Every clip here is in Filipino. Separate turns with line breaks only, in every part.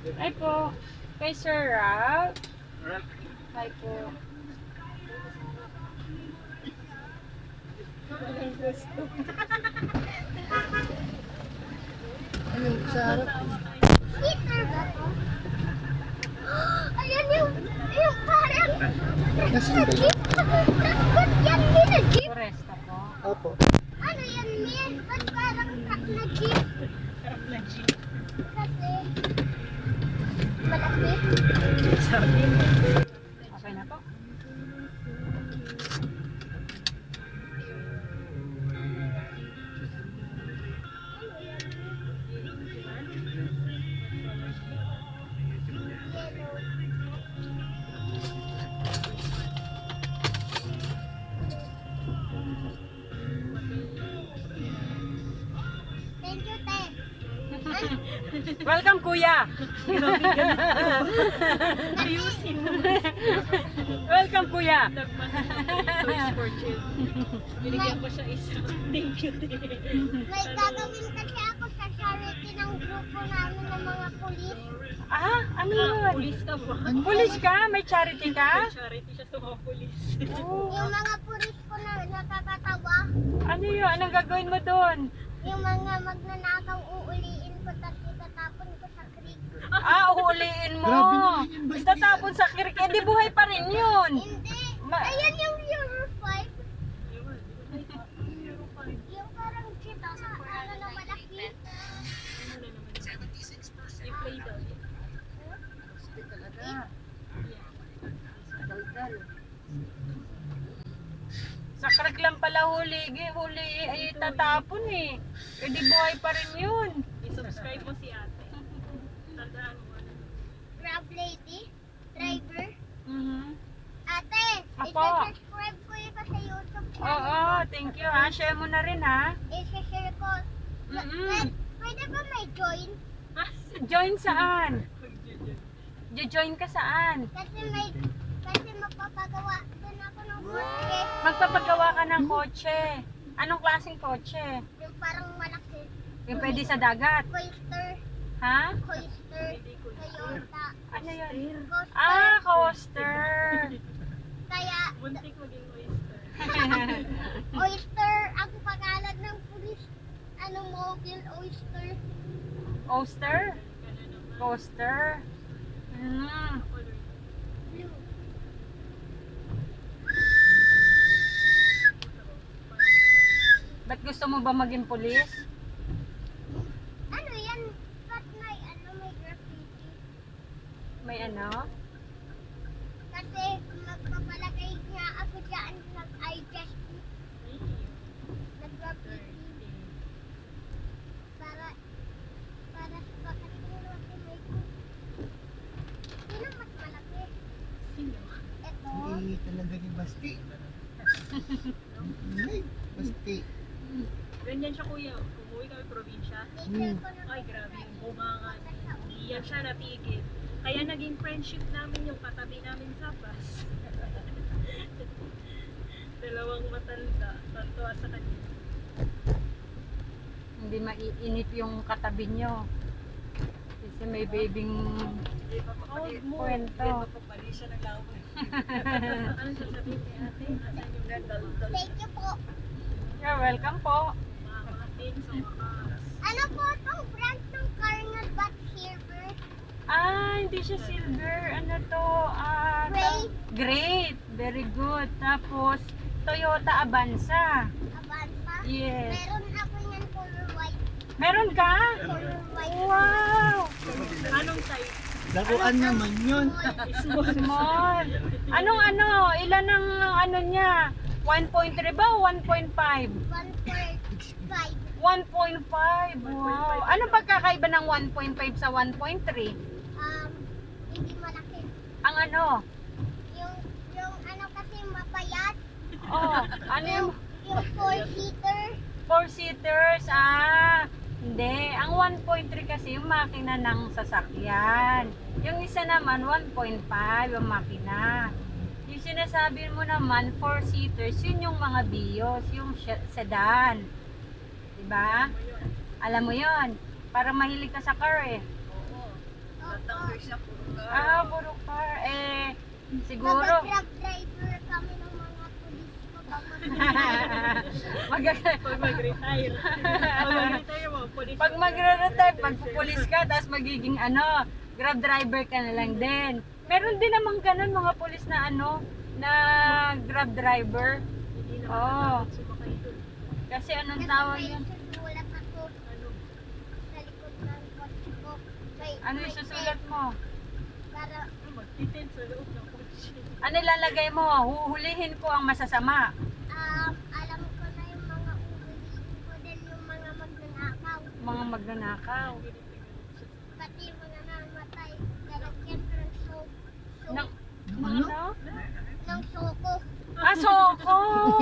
Ay po. Kay Sir Ralph. Ay po.
Ayun, sa harap.
Peter ba to? Ayan yung parang
Nasaan ba yun?
ba't yan din na jeep?
Foresta po.
Opo.
Ano yan Min? Ba't parang truck na jeep? Kasi malaki.
Okay na po.
Thank you, Te.
Welcome, kuya.
Ayusin mo.
Welcome, kuya.
Toys for children. Binigyan ko siya isa. Thank you, te.
May gagawin kasi ako sa charity ng grupo namin ng mga pulis.
Ah, ano yun?
Pulis ka ba?
Pulis ka? May charity ka?
Charity siya sa mga pulis.
Oh.
Yung mga pulis ko na nakakatawa.
Ano yun? Anong gagawin mo doon?
Yung mga magnanakaw uuliin ko tapos itatapon ko sa creek.
Ah, uhuliin mo.
Grabe naman yun, Basti.
Itatapon sa kirik. Eh, di buhay pa rin yun.
Hindi.
Ma-
Ayan yung Euro 5.
Yun.
Yung parang jeep na ano na malaki.
Ano na naman? I-play daw.
Sa kirik lang pala huli. Huli ay tatapon eh. Eh, di buhay pa rin yun.
I-subscribe mo si ate. Tandaan mo.
Grab lady. Driver.
Mhm.
Ate,
Apo.
isi-subscribe ko yun sa YouTube channel.
Oo, thank you ha. Share mo na rin ha.
Isi-share ko.
Mm-mm.
Pwede ba may join?
Join saan? Jo-join ka saan?
Kasi magpapagawa din ako ng kotse.
Magpapagawa ka ng kotse. Anong klaseng kotse?
Yung parang malaki.
Yung pwede sa dagat.
Coaster.
Ha?
Coaster. Toyota.
Ano yun?
Coaster.
Ah, coaster.
Kaya,
Buntik maging oyster.
oyster ang pangalan ng pulis. Ano mobile oyster.
Coaster? Coaster? Hmm.
Blue.
Ba't gusto mo ba maging pulis?
Ano yan? Ba't may graffiti?
May ano?
Kasi magpapalagay nga ako dyan nag-I just nag-graffiti. Para sa pagkatingin natin may sino mas malaki?
Sino?
Ito.
Hindi talaga ni Basti. Ay, Basti.
Ganyan siya kuya. Umuwi kami probinsya.
Picture ko na
Ay, grabe yung bunganga. Iyan siya natigil. Kaya naging friendship namin yung katabi namin sa bus. Dalawang matanda. Tantuwa sa kanya.
Hindi maiinip yung katabi nyo. Kasi may babing kwento.
Ano sasabihin kay ate? Asan yung daldal?
Thank you po.
You're welcome po.
Mamatin sa wakas.
Ano po itong brand ng car na ba't silver?
Ah, hindi siya silver. Ano to? Ah,
Gray.
Great. Very good. Tapos, Toyota Avanza.
Avanza?
Yes.
Meron ako yan color white.
Meron ka?
Color white.
Wow!
Anong type?
Laruan naman yun.
Small. Anong ano? Ilan ang ano niya? 1.3 ba o 1.5?
1.5.
1.5. Wow. Anong pagkakaiba ng 1.5 sa 1.3?
Hindi malaki.
Ang ano?
Yung ano kasi mapayat.
Oh, ano yung
Yung 4-seater.
4-seaters? Ah, hindi. Ang 1.3 kasi yung makina ng sasakyan. Yung isa naman, 1.5 yung makina. Yung sinasabi mo naman, 4-seaters, yun yung mga Vios, yung sedan. Diba? Alam mo yun. Para mahilig ka sa car eh. Puro car. Siguro.
Mag-grab driver kami ng mga pulis ko.
Pag mag-retire. Pag mag-retire mo, police.
Pag magre-retire, magpupulis ka, tapos magiging grab driver ka na lang din. Meron din naman ganun mga pulis na na grab driver.
Hindi na
Oo.
makatakot sumakay doon.
Kasi anong tawag yun?
Susulat ako
Ano?
sa likod ng kotse ko.
Ano yung susulat mo?
Para
Magtitin sa loob ng kotse.
Ano ilalagay mo? Huhulihin ko ang masasama.
alam ko na yung mga uhulihin ko din yung mga magnanakaw.
Mga magnanakaw.
Pati yung mga namatay. Lalagyan ko ng
Nang,
Ano?
ng soko.
Soko!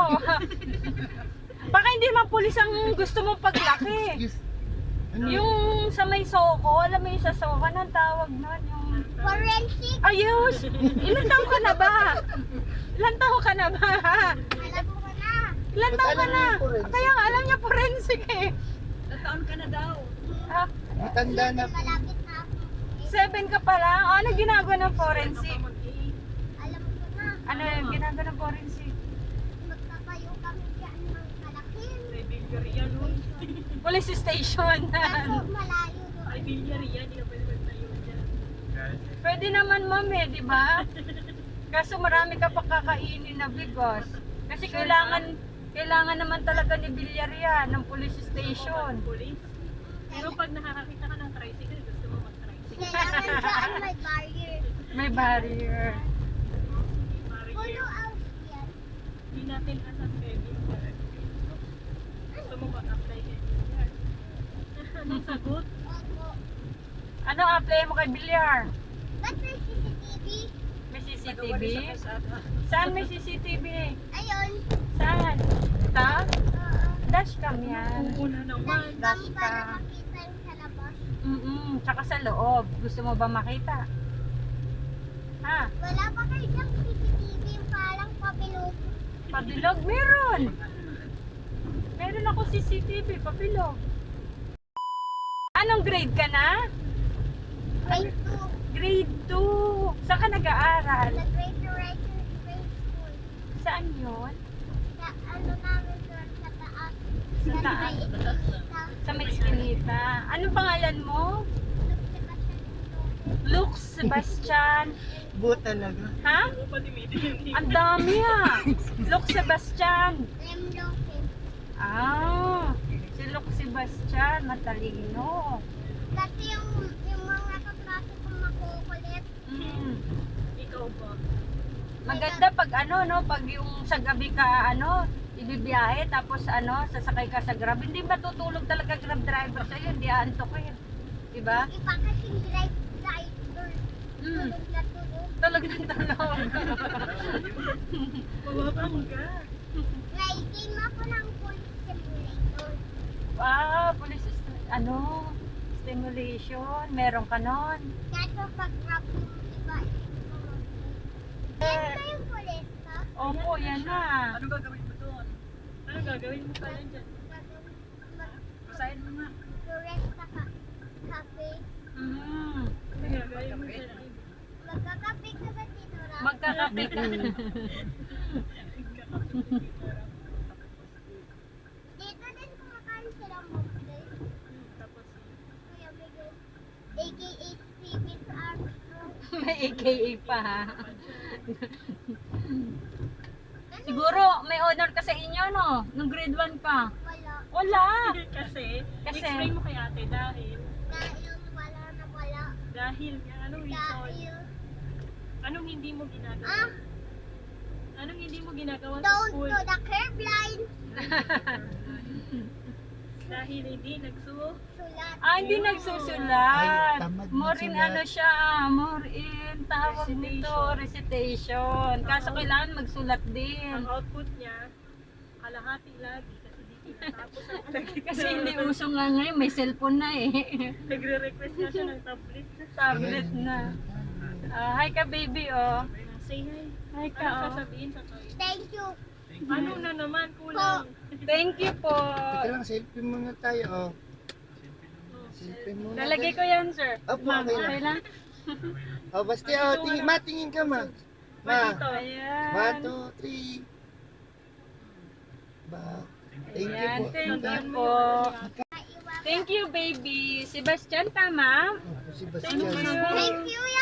Baka hindi man pulis ang gusto mong paglaki.
Yes. Ano?
Yung sa may soko, alam mo yung sa soko, anong tawag nun? Yung...
Forensic.
Ayos! Ilan taon ka na ba? Ilan taon ka na ba?
Alam ko na.
Ilan taon ka na?
Ba't alam mo yung forensic?
Kaya nga alam niya forensic eh.
Taon ka na daw.
Ah,
Matanda na po.
Malapit na ako.
7 ka pa lang? Ano ginagawa ng forensic?
Alam ko na.
Ano yung ginagawa ng forensic?
Magtatayo kami dyan ng kalaking.
May bilyariya nun.
Police station.
Kaso malayo doon.
Ay, bilyariya. Hindi ka pwede magtayo dyan.
Pwede naman ma'am eh, di ba? Kaso marami ka pa kakainin na bigos. Kasi kailangan naman talaga ni Villarreal ng police station.
Police. Pero pag nakakakita ka ng tricycle, gusto mo mag-tricycle.
Kailangan dyan may barrier.
May barrier.
Pulo out yan.
Hindi natin alam pwede. Gusto mo mag-apply kay Villar. Anong sagot?
Opo.
Ano apply mo kay Villar?
Ba't may CCTV?
May CCTV? Saan may CCTV?
Ayun.
Saan? Ta? Dashcam yan.
Una naman.
Dashcam para makita yung sa labas.
Tsaka sa loob. Gusto mo ba makita? Ha?
Wala pa kayo dyan CCTV yung parang pabilog.
Pabilog? Meron! Meron ako CCTV, pabilog. Anong grade ka na?
Grade
Grade 2. Saan ka
2.
nag-aaral?
Sa Great Horizons Grade School.
Saan yun?
Sa ano namin doon sa taas.
Sa
Sa
taas?
may Itinita.
Sa may Eskinita. Anong pangalan mo? Luke Sebastian.
Bu talaga.
Ha?
Ano pa timitin yung hindi.
Ang dami ah. Luke Sebastian.
Lem Lopez.
Si Luke Sebastian. Matalino.
Kasi yung mga kaklase kong makukulit.
Ikaw ba?
Maganda pag pag yung sa gabi ka ibibiyahe tapos sasakay ka sa grab, hindi matutulog talaga grab driver sa'yo, hindi aantokin. Diba?
Iba kasing driver.
Mm.
Tulog na tulog.
Tulog ng tulog.
Mababangga.
Nai-game ako ng police simulator.
Police stimulation, meron ka nun.
Kaso pag grab yung iba, yan ba yung police ka?
Opo, yan na.
Ano gagawin mo doon? Ano gagawin mo pala dyan? Basahin mo nga.
Rest sa cafe.
Ano gagawin mo dyan?
Magkakape ka ba dito, Ram?
Magkakape ka.
Dito din kumakain sila mostly.
Tapos,
Kuya Miguel. AKA Steven Armstrong.
May AKA pa ha. Siguro may honor ka sa inyo no? Nung grade 1 pa.
Wala.
Wala.
kasi,
Kasi?
explain mo kay ate dahil,
Wala.
dahil, anong reason?
Dahil,
Anong hindi mo ginagawa?
ah,
Anong hindi mo ginagawa sa
don't
school?
do the curb line.
Dahil hindi nagsusulat.
Sulat.
Hindi nagsusulat.
Ay, tamad
More in
magsulat.
siya, more in tawag nito, recitation. Kaso kailangan magsulat
Ang
din.
output niya, kalahati lagi kasi di tinatapos ang lagi.
Kasi hindi uso nga ngayon, may cellphone na eh.
Nagre-request na siya ng tablet.
Tablet na. Hi ka baby oh.
Say hi.
Hi ka
Ano
oh.
sasabihin sa toy?
Thank you.
Ano na naman kulang?
Thank you po.
Teka lang, selfie muna tayo. Oh. Silpin mo na.
Lalagay ko yan, sir.
Opo,
Ma'am,
okay lang.
okay lang?
Oh, basta, tingin, tingin ka, ma. Ma.
Dito.
One,
Ayan.
two, three. Ba. Thank you
Ayan,
po.
thank you po. Thank you, baby. Sebastian, tama?
Opo, si
Thank
Bastian.
you.
Thank you,